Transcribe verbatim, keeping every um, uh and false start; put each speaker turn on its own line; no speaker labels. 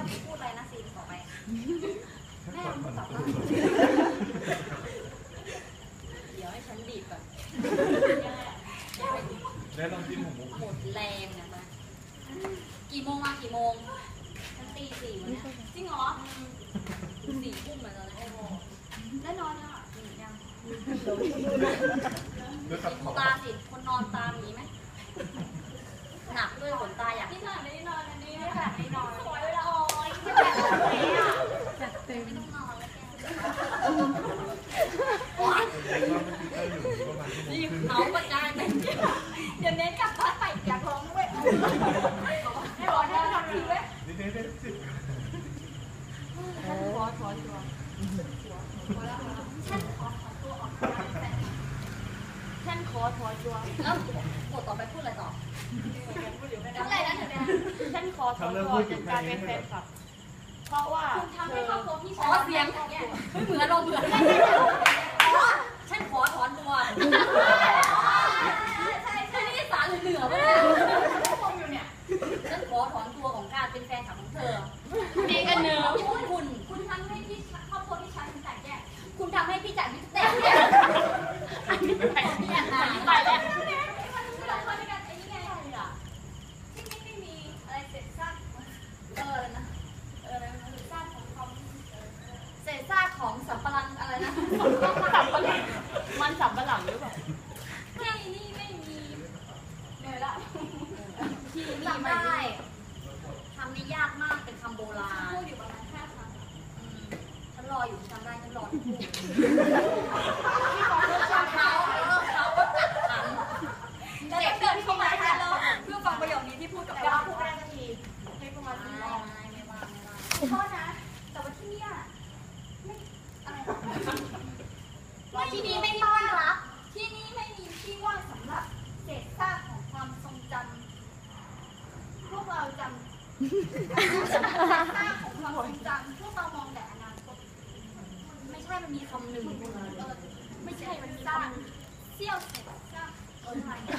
พูดอะไรนะซีนต่อไปแม่พูดต่อไปเดี๋ยวให้ฉันบีบก่อน
ได้ลองจิ้มของมุก
หมดแรงนะมากี่โมงมากี่โมงฉันตีสี่วันนี้จริงเหรอสี่ทุ่มมาแล้วนะได้นอนยังอ่ะยังตาสิคนนอนตามีไหมหนักด้วยขนตาอยากที่หนักไม่ได้นอนอันนี้ไม่แบบไม่นอนสวยเลยละอ๋อไม่แบบนี้อ่ะจัดเต็มไม่ต้องนอนแล้วแกนี่เขาประจานไปเดี๋ยวเน้นกลับบ้านไปอยากร้องด้วยให้ร้องได้ทำทีไหมนี่เน้นได้สิขอขอตัวฉันขอขอตัวออกฉันขอถอนตัวแล้วบทต่อไปพูดอะไรต่อพูดอะไรนะเธอเนี่ย
ฉันขอถอนตัวจากการเป็นแฟนคลับเพราะว่า
คุณทำให้ครอบครัวพี่ชายเสียงเนี่ยไม่เหมือนเราเหมือนฉันขอถอนตัวใช่ใช่นี่สารเหนือๆป่ะเนี่ยฉันขอถอนตัวของการเป็นแฟนคลับของเธอ
มีกันเนอะ
คุณคุณคุณทำให้พี่ครอบครัวพี่ชายคุณแตกแยกคุณทำให้พี่จ่ายพี่แตกแยกอันนี้แตกแยกนะไปแล้วของสับปะรังอะไรนะ
สับปะรังมันสับปะหลังหรือเปล่า
ที่นี่ไม่มีเหนื่อยละที่นี่ไม่ได้ทำนี่ยากมากเป็นคำโบราณพูดอยู่ประมาณห้าครั้งฉันรออยู่ทำได้ฉันรอทุกคู่เขาเขาก็จัดขันเด็กเดินเข้ามาให้เราเพื่อฟังประโยคนี้ที่พูดกับเราพูดได้ทันทีให้ประมาณนี้ไม่ไม่ว่าไม่ว่าโทษนะแต่ว่าที่นี่ที่นี่ไม่ต้อนรับที่นี่ไม่มีที่ว่างสำหรับเศษซากของความทรงจำพวกเราจำเศษซากของความทรงจำพวกเรามองแต่อนาคตไม่ใช่มันมีคำหนึ่งไม่ใช่มันมีคำเสี้ยวเศษซาก